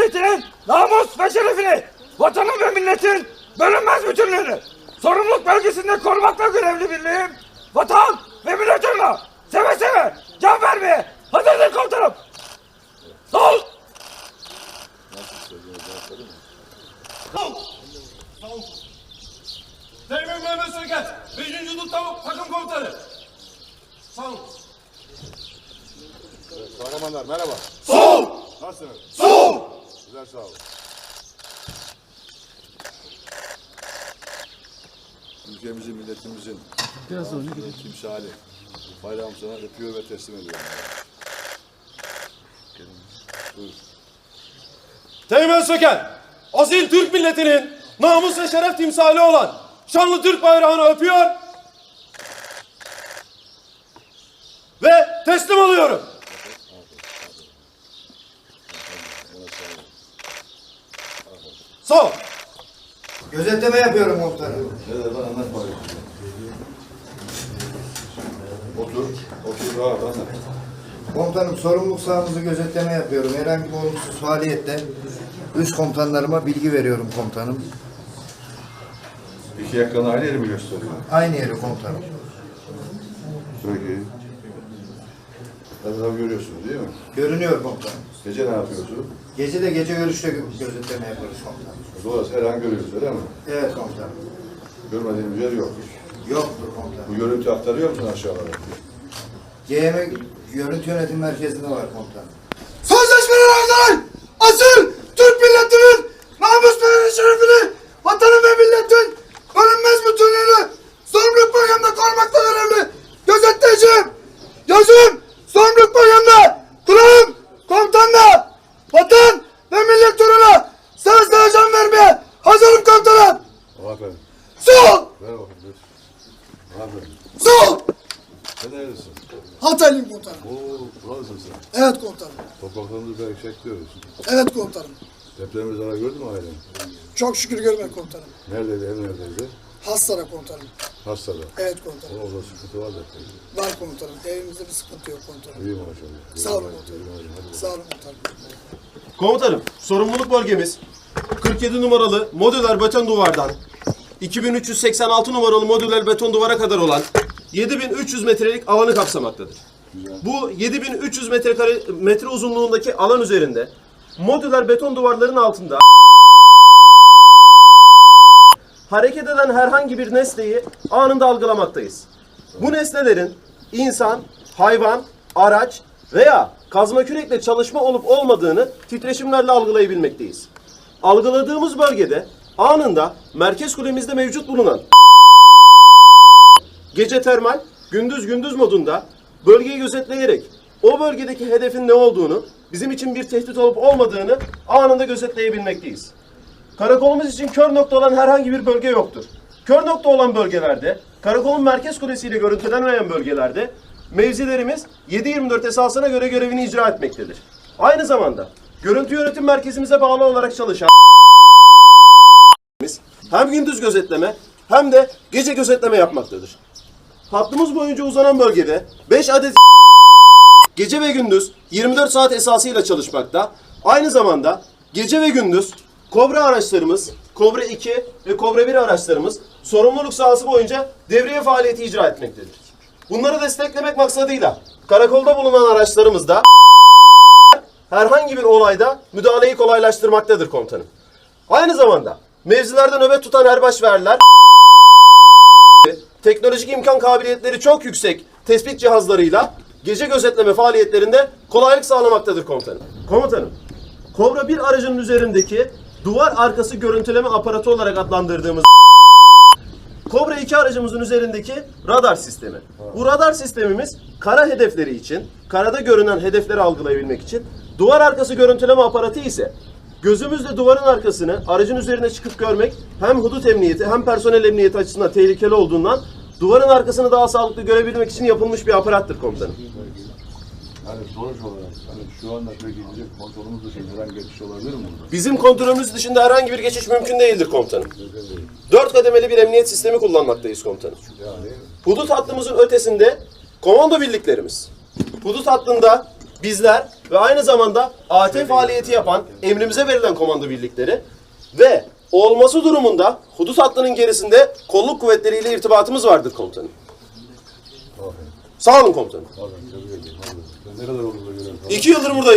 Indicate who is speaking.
Speaker 1: Cumhuriyeti'nin namus ve şerefini, vatanın ve milletin bölünmez bütünlüğünü, sorumluluk bölgesinde korumakla görevli birliğim, vatan ve millet uğruna seve seve can vermeye hazırdır komutanım. Sol!
Speaker 2: Sol! Teğmen Mehmet Söket, 5. Dut Takım Komutanı. Sol!
Speaker 3: Kahramanlar merhaba.
Speaker 2: Sol!
Speaker 3: Nasılsınız?
Speaker 2: Sol!
Speaker 3: Güzel, sağ olun. Ülkemizin, milletimizin timsali. Bayrağım sana öpüyor ve teslim ediyorum. Buyur.
Speaker 2: Teğmen Söket, asil Türk milletinin namus ve şeref timsali olan şanlı Türk bayrağını öpüyor ve teslim alıyorum. Sağ ol.
Speaker 4: Gözetleme yapıyorum komutanım.
Speaker 3: Ne dedi lan, anlat bakayım. Otur rahat anlat.
Speaker 4: Komutanım sorumluluk sahamızı gözetleme yapıyorum. Herhangi bir olumsuz faaliyette üst komutanlarıma bilgi veriyorum komutanım.
Speaker 3: İki yakanı aynı yeri mi gösteriyor?
Speaker 4: Aynı yeri komutanım.
Speaker 3: Peki. Etrafı görüyorsunuz değil mi?
Speaker 4: Görünüyor komutanım.
Speaker 3: Gece ne yapıyorsunuz?
Speaker 4: Gece de gece görüşte gözetleme yapıyoruz komutanım.
Speaker 3: Dolayısıyla her an görüyoruz öyle mi?
Speaker 4: Evet komutanım.
Speaker 3: Görmediğimiz yer yok.
Speaker 4: Yoktur
Speaker 3: Bu
Speaker 4: komutanım.
Speaker 3: görüntü aktarıyor musun aşağılara?
Speaker 4: GM Görüntü Yönetim Merkezi'nde var komutanım.
Speaker 2: Sözleşmeler arkadan asil Türk milletinin namus ve şerefini, vatanı ve milletin bölünmez bütünlüğünü sorumluluk bölgemde korumakta görevli gözetleyeceğim. Yazım sorumluluk bölgemde kulağım komutanla vatan ve millet uğruna seve seve can vermeye hazırım komutanım.
Speaker 3: Aferin.
Speaker 2: Sol!
Speaker 3: Ver bakayım. Aferin.
Speaker 2: Sol!
Speaker 3: Sen neredesin?
Speaker 2: Hataylıyım komutanım.
Speaker 3: Oo, buralısın sen.
Speaker 2: Evet komutanım.
Speaker 3: Topraklarımızı belki çekiyoruz.
Speaker 2: Evet komutanım.
Speaker 3: Depremde zarar gördün mü ailen?
Speaker 2: Çok şükür görmek komutanım.
Speaker 3: Neredeydi, ev neredeydi?
Speaker 2: Hastane komutanım.
Speaker 3: Hastada.
Speaker 2: Evet komutanım.
Speaker 3: Orada sıkıntı var depremde.
Speaker 2: Var komutanım. Evimizde bir sıkıntı yok komutanım.
Speaker 3: İyi maşallah.
Speaker 2: Sağ olun komutanım.
Speaker 3: Hadi.
Speaker 2: Sağ olun komutanım. Komutanım, sorumluluk bölgemiz 47 numaralı modüler beton duvardan 2386 numaralı modüler beton duvara kadar olan 7300 metrelik alanı kapsamaktadır. Bu 7300 metre uzunluğundaki alan üzerinde modüler beton duvarların altında hareket eden herhangi bir nesneyi anında algılamaktayız. Bu nesnelerin insan, hayvan, araç veya kazma kürekle çalışma olup olmadığını titreşimlerle algılayabilmekteyiz. Algıladığımız bölgede anında merkez kulemizde mevcut bulunan gece termal, gündüz gündüz modunda bölgeyi gözetleyerek o bölgedeki hedefin ne olduğunu, bizim için bir tehdit olup olmadığını anında gözetleyebilmekteyiz. Karakolumuz için kör nokta olan herhangi bir bölge yoktur. Kör nokta olan bölgelerde, karakolun merkez kulesiyle görüntülenmeyen bölgelerde mevzilerimiz 7/24 esasına göre görevini icra etmektedir. Aynı zamanda görüntü yönetim merkezimize bağlı olarak çalışan hem gündüz gözetleme hem de gece gözetleme yapmaktadır. Hattımız boyunca uzanan bölgede 5 adet gece ve gündüz 24 saat esasıyla çalışmakta. Aynı zamanda gece ve gündüz Kobra araçlarımız, Kobra 2 ve Kobra 1 araçlarımız sorumluluk sahası boyunca devriye faaliyeti icra etmektedir. Bunları desteklemek maksadıyla karakolda bulunan araçlarımızda herhangi bir olayda müdahaleyi kolaylaştırmaktadır komutanım. Aynı zamanda mevzilerde nöbet tutan erbaş ve erler teknolojik imkan kabiliyetleri çok yüksek tespit cihazlarıyla gece gözetleme faaliyetlerinde kolaylık sağlamaktadır komutanım. Komutanım, Kobra 1 aracının üzerindeki duvar arkası görüntüleme aparatı olarak adlandırdığımız Kobra 2 aracımızın üzerindeki radar sistemi. Bu radar sistemimiz kara hedefleri için, karada görünen hedefleri algılayabilmek için, duvar arkası görüntüleme aparatı ise gözümüzle duvarın arkasını aracın üzerine çıkıp görmek hem hudut emniyeti hem personel emniyeti açısından tehlikeli olduğundan duvarın arkasını daha sağlıklı görebilmek için yapılmış bir aparattır komutanım.
Speaker 3: Yani sonuç olarak hani şu anda peki bizim kontrolümüz dışında herhangi bir geçiş olabilir mi burada?
Speaker 2: Bizim kontrolümüz dışında herhangi bir geçiş mümkün değildir komutanım. 4 kademeli bir emniyet sistemi kullanmaktayız komutanım.
Speaker 3: Yani
Speaker 2: Hudut hattımızın ötesinde komando birliklerimiz. Hudut hattında bizler ve aynı zamanda AT faaliyeti yapan emrimize verilen komando birlikleri ve olması durumunda hudut hattının gerisinde kolluk kuvvetleriyle irtibatımız vardır komutanım. Sağ olun komutanım. 2 yıldır buradayım.